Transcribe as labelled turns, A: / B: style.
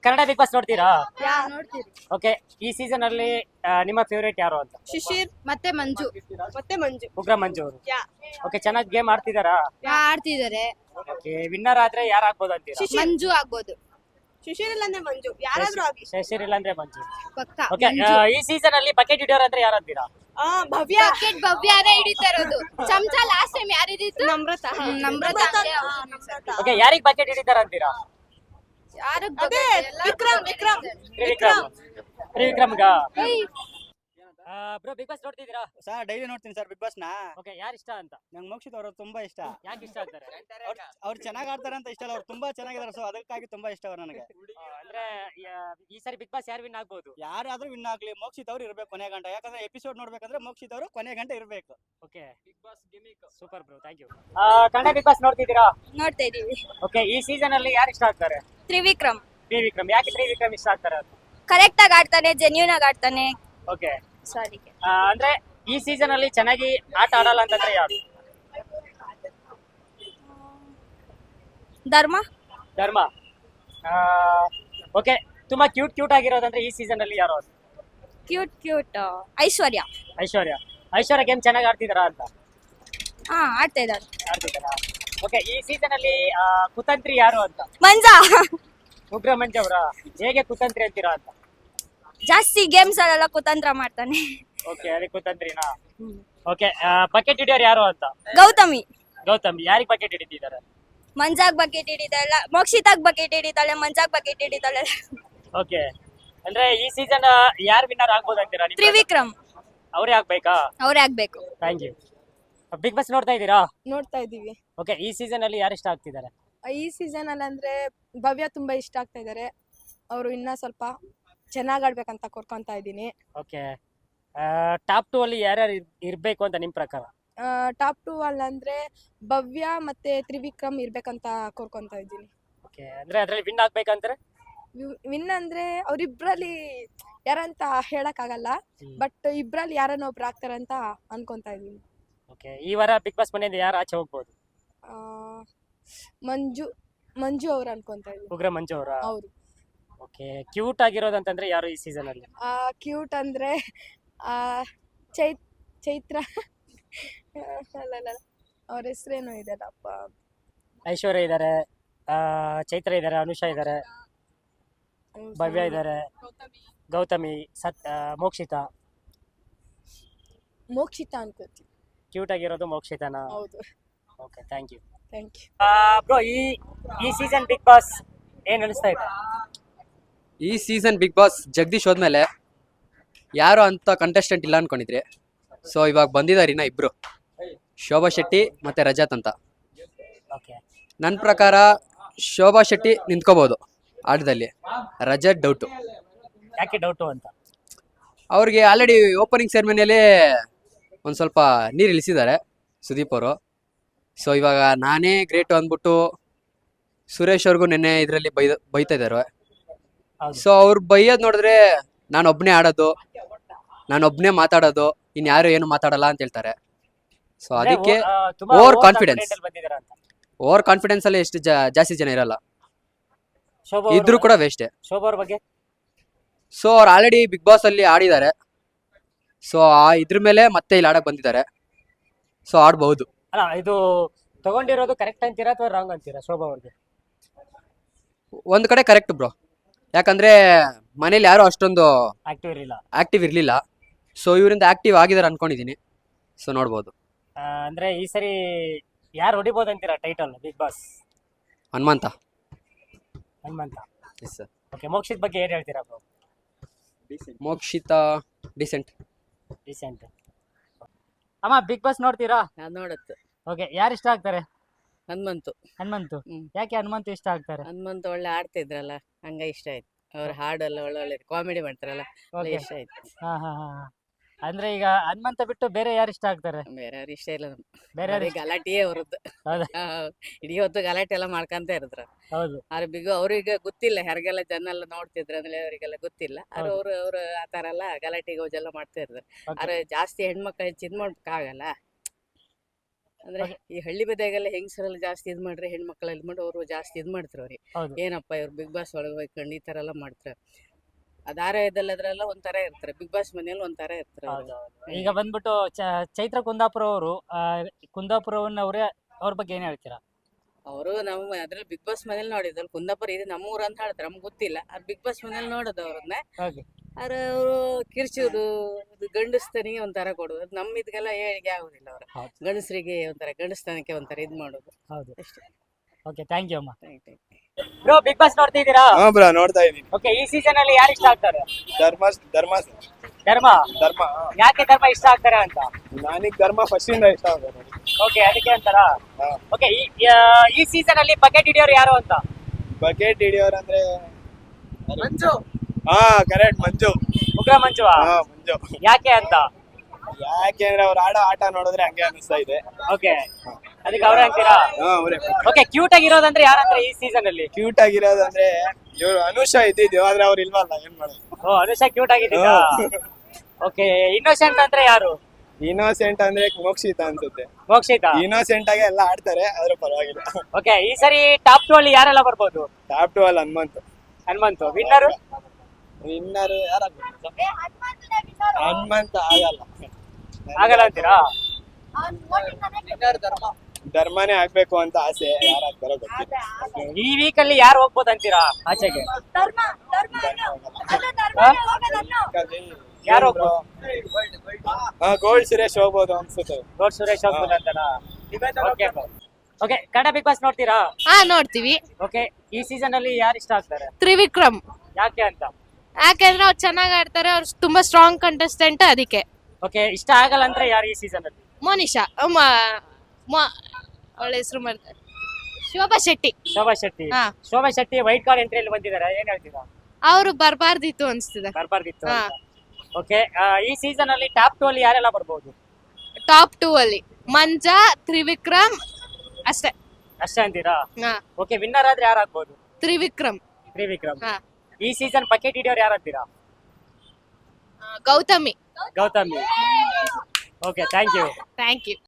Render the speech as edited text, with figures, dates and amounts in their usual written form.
A: Kannada big boss ನೋಡ್ತೀರಾ?
B: ನೋಡ್ತೀರಿ.
A: Okay, ಈ ಸೀಸನ್ ಅಲ್ಲಿ ನಿಮ್ಮ ಫೇವರೇಟ್ ಯಾರು ಅಂತ?
B: ಶಿಶಿರ್ ಮತ್ತೆ ಮಂಜು.
A: ಉಗ್ರ ಮಂಜು ಅವರು.
B: ಯಾ.
A: ಓಕೆ, ಚೆನ್ನಾಗಿ ಗೇಮ್ ಆಡ್ತಿದಾರಾ?
B: ಆಡ್ತಿದ್ದಾರೆ.
A: ಓಕೆ, ವಿನ್ನರ್ ಆದ್ರೆ ಯಾರು ಆಗ್ಬೋದು ಅಂತೀರಾ?
B: ಮಂಜು ಆಗ್ಬೋದು. ಶಿಶಿರ್ ಇಲ್ಲ ಅಂದ್ರೆ ಮಂಜು, ಯಾರಾದ್ರೂ ಆಗಿ.
A: ಶಶಿರ್ ಇಲ್ಲ ಅಂದ್ರೆ ಮಂಜು.
B: ಪಕ್ಕ.
A: ಓಕೆ, ಈ ಸೀಸನ್ ಅಲ್ಲಿ ಬಕೆಟ್ ಹಿಡಿಯೋರು ಅಂದ್ರೆ ಯಾರು ಅಂತೀರಾ?
B: ಭವ್ಯ. ಬಕೆಟ್ ಭವ್ಯನೇ ಹಿಡಿತಾ ಇರೋದು. ಚಮಚ ಲಾಸ್ಟ್ ಟೈಮ್ ಯಾರು ಹಿಡಿತು? ನಮ್ರತ. ನಮ್ರತ.
A: ಓಕೆ, ಯಾರಿಗ್ ಬಕೆಟ್ ಹಿಡಿತಾರ ಅಂತೀರಾ?
B: ಯಾರು? ವಿಕ್ರಮ್.
A: ತ್ರಿವಿಕ್ರಮ್ಗ. ಬ್ರೋ, ಬಿಗ್ ಬಾಸ್ ನೋಡ್ತಿದ್ದೀರಾ?
C: ಸರ್ ಡೈಲಿ ನೋಡ್ತೀನಿ ಸರ್ ಬಿಗ್ ಬಾಸ್ ನ.
A: ಓಕೆ, ಯಾರು ಇಷ್ಟ ಅಂತ?
C: ನಂಗೆ ಮೋಕ್ಷಿತ್ ಅವರು ತುಂಬಾ ಇಷ್ಟ.
A: ಯಾಕೆ ಇಷ್ಟ ಆಗ್ತಾರೆ?
C: ಅವ್ರು ಚೆನ್ನಾಗಿ ಆಡ್ತಾರೆ ಅಂತ ಇಷ್ಟ ಅಲ್ಲ, ಅವ್ರು ತುಂಬಾ ಚೆನ್ನಾಗಿದ್ದಾರೆ, ಸೊ ಅದಕ್ಕಾಗಿ ತುಂಬಾ ಇಷ್ಟ ಅವ್ರು ನನಗೆ.
A: ಅಂದ್ರೆ ಈ ಸಾರಿ ಬಿಗ್ ಬಾಸ್ ಯಾರು ವಿನ್ ಆಗ್ಬೋದು?
C: ಯಾರಾದ್ರೂ ವಿನ್ ಆಗ್ಲಿ, ಮೋಕ್ಷಿತ್ ಅವ್ರು ಇರ್ಬೇಕು ಕೊನೆ ಗಂಟ. ಯಾಕಂದ್ರೆ ಎಪಿಸೋಡ್ ನೋಡ್ಬೇಕಂದ್ರೆ ಮೋಕ್ಷಿತ್ ಅವರು ಕೊನೆ ಗಂಟ ಇರ್ಬೇಕು.
A: Okay, big boss gimmick super bro, thank you. Kannada big boss ನೋಡ್ತಿದ್ದೀರಾ?
B: ನೋಡ್ತಾ ಇದೀವಿ.
A: ಓಕೆ, ಈ ಸೀಸನ್ ಅಲ್ಲಿ ಯಾರು ಇಷ್ಟ ಆಗ್ತಾರೆ?
B: ತ್ರಿವಿಕ್ರಮ್.
A: ತ್ರಿವಿಕ್ರಮ್. ಯಾಕೆ ತ್ರಿವಿಕ್ರಮ್ ಇಷ್ಟ ಆಗ್ತಾರೆ ಅಂತ?
B: ಕರೆಕ್ಟ್ ಆಗಿ ಆಡ್ತಾನೆ, ಜೆನ್ಯೂನ್ ಆಗಿ ಆಡ್ತಾನೆ.
A: Okay,
B: sorry.
A: ಅಂದ್ರೆ ಈ ಸೀಸನ್ ಅಲ್ಲಿ ಚೆನ್ನಾಗಿ ಆಟ ಆಡಲ್ಲ ಅಂತಂದ್ರೆ ಯಾರು?
B: ಧರ್ಮ.
A: ಧರ್ಮ. ಓಕೆ, ತುಂಬಾ ಕ್ಯೂಟ್ ಆಗಿರೋದಂದ್ರೆ ಈ ಸೀಸನ್ ಅಲ್ಲಿ ಯಾರು?
B: ಕ್ಯೂಟ್. ಐಶ್ವರ್ಯ.
A: ಐಶ್ವರ್ಯ ಗೇಮ್ ಚೆನ್ನಾಗಿ ಆಡ್ತಿದಾರಾ ಅಂತ?
B: ಆಡ್ತಾ ಇದ್ದಾರೆ.
A: ಆಡ್ತಿದಾರಾ? ಓಕೆ, ಈ ಸೀಸನ್ ಅಲ್ಲಿ ಕುತಂತ್ರಿ ಯಾರು ಅಂತ?
B: ಮಂಜಾ.
A: ಉಗ್ರ ಮಂಜು ಅವರ. ಹೇಗೆ ಕುತಂತ್ರಿ ಅಂತೀರಾ ಅಂತ?
B: ಜಾಸ್ತಿ ಗೇಮ್ಸ್ ಅಲ್ಲೆಲ್ಲ ಕುತಂತ್ರ ಮಾಡ್ತಾನೆ.
A: ಓಕೆ, ಅದೇ ಕುತಂತ್ರಿನಾ? ಓಕೆ, ಬಕೆಟ್ ಹಿಡಿಯೋರು ಯಾರು ಅಂತ?
B: ಗೌತಮಿ.
A: ಗೌತಮಿ. ಯಾರಿಗೆ ಬಕೆಟ್ ಹಿಡಿತಿದ್ದಾರೆ?
B: ಮಂಜಾಗ್ ಬಕೆಟ್ ಹಿಡಿತಾಳೆ, ಮೋಕ್ಷಿತಾಗ್ ಬಕೆಟ್ ಹಿಡಿತಾಳೆ, ಮಂಜಾಗ್ ಬಕೆಟ್ ಹಿಡಿತಾಳೆ.
A: ಓಕೆ, ಅಂದ್ರೆ ಈ ಸೀಸನ್ ಯಾರು ವಿನ್ನರ್ ಆಗ್ಬೋದು ಅಂತೀರಾ?
B: ತ್ರಿವಿಕ್ರಮ್.
A: ಅವರೇ ಆಗ್ಬೇಕಾ?
B: ಅವ್ರೇ ಆಗ್ಬೇಕು.
A: Thank you. ಬಿಗ್ ಬಾಸ್ ನೋಡ್ತಾ ಇದ್ದೀರಾ?
D: ನೋಡ್ತಾ ಇದೀವಿ.
A: ಓಕೆ, ಈ ಸೀಸನ್ ಅಲ್ಲಿ ಯಾರು ಇಷ್ಟ ಆಗ್ತಿದ್ದಾರೆ?
D: ಈ ಸೀಸನ್ ಅಲ್ಲಿ ಅಂದ್ರೆ ಭವ್ಯ ತುಂಬಾ ಇಷ್ಟ ಆಗ್ತಾ ಇದಾರೆ. ಅವರು ಇನ್ನ ಸ್ವಲ್ಪ ಚೆನ್ನಾಗ್ ಆಡ್ಬೇಕಂತ ಕೋರ್ಕೊಂತ ಇದ್ದೀನಿ.
A: ಓಕೆ, ಟಾಪ್ 2 ಅಲ್ಲಿ ಯಾರ್ಯಾರು ಇರ್ಬೇಕು ಅಂತ ನಿಮ್ ಪ್ರಕಾರ?
D: ಟಾಪ್ 2 ಅಲ್ಲಿ ಅಂದ್ರೆ ಭವ್ಯ ಮತ್ತೆ ತ್ರಿವಿಕ್ರಮ್ ಇರ್ಬೇಕಂತ ಕೋರ್ಕೊಂತ ಇದ್ದೀನಿ.
A: ಓಕೆ, ಅಂದ್ರೆ ಅದ್ರಲ್ಲಿ ವಿನ್ ಆಗ್ಬೇಕಂದ್ರೆ?
D: ವಿನ್ ಅಂದ್ರೆ ಅವ್ರಿಬ್ರಲ್ಲಿ ಯಾರಂತ ಹೇಳಕ್ ಆಗಲ್ಲ, ಬಟ್ ಇಬ್ರಲ್ಲಿ ಯಾರನ್ನ ಒಬ್ರು ಆಗ್ತಾರಂತ ಅನ್ಕೊಂತ ಇದೀನಿ.
A: ಓಕೆ, ಈ ವಾರ ಬಿಗ್ ಬಾಸ್ ಮನೆಯಿಂದ ಯಾರು ಆಚೆ ಹೋಗ್ಬೋದು?
D: ಮಂಜು ಅವ್ರು ಅನ್ಕೊಂತ ಇದೀನಿ.
A: ಉಗ್ರ ಮಂಜು ಅವರ.
D: ಅವ್ರು
A: ಓಕೆ, ಕ್ಯೂಟ್ ಆಗಿರೋದಂತಂದ್ರೆ ಯಾರು ಈ ಸೀಸನ್ ಅಲ್ಲಿ?
D: ಕ್ಯೂಟ್ ಅಂದ್ರೆ ಚೈತ್ರ. ಅಲ್ಲ, ಅವ್ರ ಹೆಸರೇನೋ ಇದೆಲ್ಲಪ್ಪ.
A: ಐಶ್ವರ್ಯ ಇದಾರೆ, ಚೈತ್ರ ಇದಾರೆ, ಅನುಷಾ ಇದಾರೆ, ಭವ್ಯ ಇದಾರೆ, ಗೌತಮಿ, ಮೋಕ್ಷಿತಾ
D: ಅನ್ಕೋತೀನಿ.
A: ಕ್ಯೂಟ್ ಆಗಿರೋದು ಮೋಕ್ಷಿತಾನಾ?
D: ಹೌದು.
A: Okay, thank you. ಬ್ರೋ, ಈ ಸೀಸನ್ ಬಿಗ್ ಬಾಸ್ ಏನ್ ಅನಿಸ್ತಾ ಇದೆ?
E: ಈ ಸೀಸನ್ ಬಿಗ್ ಬಾಸ್ ಜಗದೀಶ್ ಹೋದ್ಮೇಲೆ ಯಾರು ಅಂತ ಕಂಟೆಸ್ಟೆಂಟ್ ಇಲ್ಲ ಅನ್ಕೊಂಡಿದ್ರಿ. ಸೊ ಇವಾಗ ಬಂದಿದ್ದಾರೆ ಇನ್ನ ಇಬ್ರು, ಶೋಭಾ ಶೆಟ್ಟಿ ಮತ್ತೆ ರಜತ್ ಅಂತ.
A: ಓಕೆ,
E: ನನ್ನ ಪ್ರಕಾರ ಶೋಭಾ ಶೆಟ್ಟಿ ನಿಂತ್ಕೋಬಹುದು ಆಟದಲ್ಲಿ, ರಜತ್ ಡೌಟು.
A: ಯಾಕೆ ಡೌಟು ಅಂತ?
E: ಅವ್ರಿಗೆ ಆಲ್ರೆಡಿ ಓಪನಿಂಗ್ ಸೆರೆಮನಿಯಲ್ಲಿ ಒಂದು ಸ್ವಲ್ಪ ನೀರು ಇಳಿಸಿದ್ದಾರೆ ಸುದೀಪ್ ಅವರು. ಸೊ ಇವಾಗ ನಾನೇ ಗ್ರೇಟು ಅಂದ್ಬಿಟ್ಟು ಸುರೇಶ್ ಅವ್ರಿಗೂ ನಿನ್ನೆ ಇದರಲ್ಲಿ ಬೈತಾ ಇದ್ದಾರೆ. ಸೊ ಅವ್ರು ಬೈಯೋದು ನೋಡಿದ್ರೆ ನಾನೊಬ್ಬನೇ ಆಡೋದು, ನಾನೊಬ್ಬನೇ ಮಾತಾಡೋದು, ಇನ್ಯಾರು ಏನು ಮಾತಾಡಲ್ಲ ಅಂತ ಹೇಳ್ತಾರೆ. ಸೊ ಅದಕ್ಕೆ ಓವರ್ ಕಾನ್ಫಿಡೆನ್ಸ್ ಅಲ್ಲಿ ಎಷ್ಟು ಜಾಸ್ತಿ ಜನ ಇರಲ್ಲ, ಇದ್ರೂ ಕೂಡ ವೇಸ್ಟೇ.
A: ಶೋಭಾ ಅವ್ರ ಬಗ್ಗೆ?
E: ಸೊ ಅವ್ರು ಆಲ್ರೆಡಿ ಬಿಗ್ ಬಾಸ್ ಅಲ್ಲಿ ಆಡಿದ್ದಾರೆ. ಸೊ ಇದ್ರ ಮೇಲೆ ಮತ್ತೆ ಇಲ್ಲಿ ಆಡಕ್ ಬಂದಿದ್ದಾರೆ. ಸೊ ಆಡ್ಬಹುದು.
A: ಅಲ್ಲ, ಇದು ತಗೊಂಡಿರೋದು ಕರೆಕ್ಟ್ ಅಂತೀರಾ ಅಥವಾ ರಾಂಗ್ ಅಂತೀರಾ ಶೋಭಾ ಅವ್ರಿಗೆ?
E: ಒಂದ್ ಕಡೆ ಕರೆಕ್ಟ್ ಬ್ರೋ, ಯಾಕಂದ್ರೆ ಮನೇಲಿ ಯಾರು ಅಷ್ಟೊಂದು ಆಕ್ಟಿವ್ ಇರ್ಲಿಲ್ಲ. ಸೊ ಇವರಿಂದ ಆಕ್ಟಿವ್ ಆಗಿದ್ದಾರೆ ಅನ್ಕೊಂಡಿದೀನಿ. ಸೊ ನೋಡ್ಬೋದು.
A: ಅಂದ್ರೆ ಈ ಸರಿ ಯಾರು ಹೊಡಿಬಹುದು ಅಂತೀರಾ title big boss?
E: Hanumantha. Yes sir.
A: Okay, Mokshith ಬಗ್ಗೆ ಏನ್ ಹೇಳ್ತೀರಾ ಬ್ರೋ?
E: ಮೋಕ್ಷಿತ ಡಿಸೆಂಟ್.
A: ಅಮ್ಮ, ಬಿಗ್ ಬಾಸ್ ನೋಡ್ತೀರಾ?
F: ನೋಡತ್ತೆ.
A: ಓಕೆ, ಯಾರು ಇಷ್ಟ ಆಗ್ತಾರೆ?
F: ಹನುಮಂತು.
A: ಯಾಕೆ ಹನುಮಂತು ಇಷ್ಟ ಆಗ್ತಾರೆ?
F: ಹನುಮಂತು ಒಳ್ಳೆ ಆಡ್ತಿದ್ರಲ್ಲ, ಹಂಗ ಇಷ್ಟ ಆಯ್ತು. ಅವ್ರ ಹಾಡೆಲ್ಲ ಒಳ್ಳೆ ಕಾಮಿಡಿ ಮಾಡ್ತಾರಲ್ಲ, ಇಷ್ಟ ಆಯ್ತು.
A: ಅಂದ್ರೆ ಈಗ ಹನುಮಂತ ಬಿಟ್ಟು ಬೇರೆ ಯಾರು ಇಷ್ಟ ಆಗ್ತಾರೆ?
F: ಬೇರೆ ಯಾರು ಇಷ್ಟ ಇಲ್ಲ.
A: ಬೇರೆ
F: ಗಲಾಟೆಯೇ ಅವ್ರದ್ದು. ಇಡೀ ಹೊತ್ತು ಗಲಾಟೆ ಎಲ್ಲ ಮಾಡ್ಕೊಂತ ಇರದ್ರ.
A: ಹೌದು.
F: ಆದ್ರೆ ಅವ್ರಿಗೆ ಗೊತ್ತಿಲ್ಲ, ಯಾರಿಗೆಲ್ಲ ಜನ ಎಲ್ಲ ನೋಡ್ತಿದ್ರ ಅಂದ್ರೆ ಅವರಿಗೆಲ್ಲ ಗೊತ್ತಿಲ್ಲ. ಆದ್ರೆ ಅವ್ರು ಆತರ ಎಲ್ಲ ಗಲಾಟೆ ಗೋಜೆಲ್ಲ ಮಾಡ್ತಾ ಇರ್ತಾರೆ. ಆದ್ರೆ ಜಾಸ್ತಿ ಹೆಣ್ಮಕ್ಳು ಹೆಚ್ಚಿದ್ ಮಾಡ್ಬೇಕಾಗಲ್ಲ. ಅಂದ್ರೆ ಈ ಹಳ್ಳಿ ಬದಿಯಾಗೆಲ್ಲ ಹೆಂಗಸರೆಲ್ಲ ಜಾಸ್ತಿ ಇದ್ ಮಾಡ್ರೆ ಹೆಣ್ಮಕ್ಳೆಲ್ಲ ಮಾಡಿ ಅವರು ಜಾಸ್ತಿ ಇದ್ ಮಾಡ್ತಾರೆ ಅವ್ರಿಗೆ
A: ಹೌದು
F: ಏನಪ್ಪ ಇವ್ರು ಬಿಗ್ ಬಾಸ್ ಒಳಗೆ ಹೋಗ್ಕೊಂಡು ಈ ತರ ಎಲ್ಲ ಮಾಡ್ತಾರೆ. ಧಾರಾವಾಹಿದಲ್ಲಿ ಅದ್ರೆಲ್ಲ ಒಂಥರ ಇರ್ತಾರೆ, ಬಿಗ್ ಬಾಸ್ ಮನೇಲಿ ಒಂಥರ ಇರ್ತಾರೆ ಅವ್ರು.
A: ಹೌದು. ಈಗ ಬಂದ್ಬಿಟ್ಟು ಚೈತ್ರ ಕುಂದಾಪುರ ಅವರು ಕುಂದಾಪುರವನ್ನವ್ರೆ ಅವ್ರ ಬಗ್ಗೆ ಏನ್ ಹೇಳ್ತೀರಾ?
F: ಅವರು ನಮ್ಮ ಅದ್ರಲ್ಲಿ ಬಿಗ್ ಬಾಸ್ ಮನೇಲಿ ನೋಡಿದ್ರು, ಕುಂದಾಪುರ ಇದು ನಮ್ಮೂರು ಅಂತ ಹೇಳ್ತಾರೆ, ನಮ್ಗೆ ಗೊತ್ತಿಲ್ಲ. ಅದು ಬಿಗ್ ಬಾಸ್ ಮನೇಲಿ ನೋಡೋದು ಅವ್ರನ್ನ.
A: ಹಾಗೆ
F: ಆದ್ರೆ ಅವರು ಕಿರ್ಚೋದು, ಗಂಡಸ್ತನಿಗೆ ಒಂಥರ ಕೊಡೋದು, ಅದು ನಮ್ಮ ಇದಕ್ಕೆಲ್ಲ ಹೇಳಿಕೆ ಆಗುದಿಲ್ಲ. ಅವರು
A: ಹೌದು.
F: ಗಂಡಸರಿಗೆ ಒಂಥರ ಗಂಡಸ್ತನಕ್ಕೆ ಒಂಥರ ಇದ್ ಮಾಡೋದು
A: ಹೌದು.
F: ಅಷ್ಟೇ.
A: ಓಕೆ, ಥ್ಯಾಂಕ್ ಯು ಅಮ್ಮ.
F: Thank you.
A: Bro, big boss ನೋಡ್ತಿದ್ದೀರಾ?
G: ಹಾ ಬ್ರೋ, ನೋಡ್ತಾ ಇದೀನಿ.
A: ಓಕೆ, ಈ ಸೀಸನ್ ಅಲ್ಲಿ ಯಾರು ಇಷ್ಟ ಆಗ್ತಾರೆ?
G: ಧರ್ಮ
A: ಧರ್ಮ.
G: ಧರ್ಮ
A: ಯಾಕೆ ಧರ್ಮ ಇಷ್ಟ ಆಗ್ತಾರೆ ಅಂತ?
G: ನನಗ್ ಧರ್ಮ ಫಸ್ಟ್ ಇಂದ ಇಷ್ಟ ಆಗುತ್ತೆ ನೋಡಿ.
A: ಓಕೆ, ಅದಕ್ಕೆ ಅಂತಾರಾ?
G: ಹಾ.
A: ಓಕೆ, ಈ ಸೀಸನ್ ಅಲ್ಲಿ ಬಕೆಟ್ ಹಿಡಿಯೋರು ಯಾರು ಅಂತ?
G: ಬಕೆಟ್ ಹಿಡಿಯೋರ್ ಅಂದ್ರೆ ಮಂಜು. ಹಾ, ಕರೆಕ್ಟ್, ಮಂಜು.
A: ಉಗ್ರ ಮಂಜುವಾ?
G: ಹಾ, ಮಂಜು.
A: ಯಾಕೆ ಅಂತ?
G: ಯಾಕೆಂದ್ರೆ ಅವ್ರು ಆಡೋ ಆಟ ನೋಡಿದ್ರೆ ಹಂಗೆ ಅನಿಸ್ತಾ ಇದೆ.
A: ಓಕೆ, ಅದಕ್ಕೆ ಅವ್ರೆ ಅಂತೀರಾ?
G: ಹಾ, ಅವರೇ.
A: ಓಕೆ, ಕ್ಯೂಟ್ ಆಗಿರೋದಂದ್ರೆ ಯಾರಂದ್ರೆ ಈ ಸೀಸನ್ ಅಲ್ಲಿ?
G: ಕ್ಯೂಟ್ ಆಗಿರೋದಂದ್ರೆ ಇವ್ರು ಅನುಷಾ ಇದ್ದಿದ್ದು, ಆದ್ರೆ ಅವ್ರು ಇಲ್ವಲ್ಲ, ಏನ್ ಮಾಡೋದು.
A: ಓ, ಅನುಷಾ ಕ್ಯೂಟ್ ಆಗಿದ್ದೀರಾ? ಓಕೆ, ಇನ್ನೋಸೆಂಟ್ ಅಂದ್ರೆ ಯಾರು?
G: ಇನ್ನೋಸೆಂಟ್ ಅಂದ್ರೆ ಮೋಕ್ಷಿತ ಅನ್ಸುತ್ತೆ.
A: ಮೋಕ್ಷಿತಾ?
G: ಇನ್ನೋಸೆಂಟ್ ಆಗಿ ಎಲ್ಲ ಆಡ್ತಾರೆ, ಆದ್ರೂ ಪರವಾಗಿಲ್ಲ.
A: ಓಕೆ, ಈ ಸರಿ ಟಾಪ್ 2 ಅಲ್ಲಿ ಯಾರೆಲ್ಲ ಬರ್ಬೋದು?
G: ಟಾಪ್ 2 ಅಲ್ಲಿ
A: ಹನುಮಂತು. ವಿನ್ನರ್
G: ಯಾರಾಗ್ಬೇಕು? ಹನುಮಂತ
A: ಆಗಲ್ಲ ಅಂತೀರಾ?
G: ಧರ್ಮನೇ ಆಗ್ಬೇಕು ಅಂತ ಆಸೆ, ಯಾರಾಗ್ತಾರೋ ಗೊತ್ತಿಲ್ಲ.
A: ಈ ವೀಕ್ ಅಲ್ಲಿ ಯಾರು ಹೋಗ್ಬೋದು ಅಂತೀರಾ ಆಚೆಗೆ? ಯಾರು ಹೋಗ್ಬೋದು?
G: ಗೋಲ್ಡ್ ಸುರೇಶ್ ಹೋಗ್ಬೋದು ಅನ್ಸುತ್ತೆ.
A: ಗೋಡ್ ಸುರೇಶ್ ಹೋಗ್ಬೋದು ಅಂತನಾ? ಓಕೆ, ಕನ್ನಡ ಬಿಗ್ ಬಾಸ್ ನೋಡ್ತೀರಾ?
B: ಹಾ, ನೋಡ್ತೀವಿ.
A: ಓಕೆ, ಈ ಸೀಸನ್ ಅಲ್ಲಿ ಯಾರು ಇಷ್ಟ ಆಗ್ತಾರೆ?
B: ತ್ರಿವಿಕ್ರಮ್.
A: ಯಾಕೆ ಅಂತ?
B: ಯಾಕಂದ್ರೆ ಅವ್ರು ಚೆನ್ನಾಗ್ ಆಡ್ತಾರೆ, ಅವ್ರು ತುಂಬಾ ಸ್ಟ್ರಾಂಗ್ ಕಂಟೆಸ್ಟೆಂಟ್, ಅದಕ್ಕೆ.
A: ಓಕೆ, ಇಷ್ಟ ಆಗಲ್ಲ ಅಂದ್ರೆ ಯಾರು ಈ ಸೀಸನ್ ಅಲ್ಲಿ?
B: ಮೋನಿಶಾ, ಅವಳ ಹೆಸರು ಮಾಡ್ತಾರೆ, ಶೋಭಾ ಶೆಟ್ಟಿ.
A: ಶೋಭಾ ಶೆಟ್ಟಿ.
B: ಹಾ.
A: ಶೋಭಾ ಶೆಟ್ಟಿ ವೈಟ್ ಕಾರ್ಡ್ ಎಂಟ್ರಿಯಲ್ಲಿ ಬಂದಿದ್ದಾರೆ, ಏನ್ ಹೇಳ್ತೀರಾ?
B: ಅವ್ರು ಬರ್ಬಾರ್ದಿತ್ತು ಅನ್ಸ್ತಿದೆ.
A: ಬರ್ಬಾರ್ದಿತ್ತು.
B: ಹಾ.
A: ಓಕೆ, ಈ ಸೀಸನ್ ಅಲ್ಲಿ ಟಾಪ್ 2 ಅಲ್ಲಿ ಯಾರೆಲ್ಲ ಬರ್ಬೋದು?
B: ಟಾಪ್ 2 ಅಲ್ಲಿ ಮಂಜಾ, ತ್ರಿವಿಕ್ರಮ್, ಅಷ್ಟೇ.
A: ಅಷ್ಟೇ ಅಂತೀರಾ?
B: ಹಾ,
A: ಓಕೆ, ವಿನ್ನರ್ ಆದ್ರೆ ಯಾರು ಆಗ್ಬೋದು?
B: ತ್ರಿವಿಕ್ರಮ್.
A: ತ್ರಿವಿಕ್ರಮ್.
B: ಹಾ.
A: ಈ ಸೀಸನ್ ಬಕೆಟ್ ಹಿಡಿಯೋರು ಯಾರು ಅಂತೀರಾ?
B: Gautami.
A: Gautami. Okay, thank you.
B: Thank you.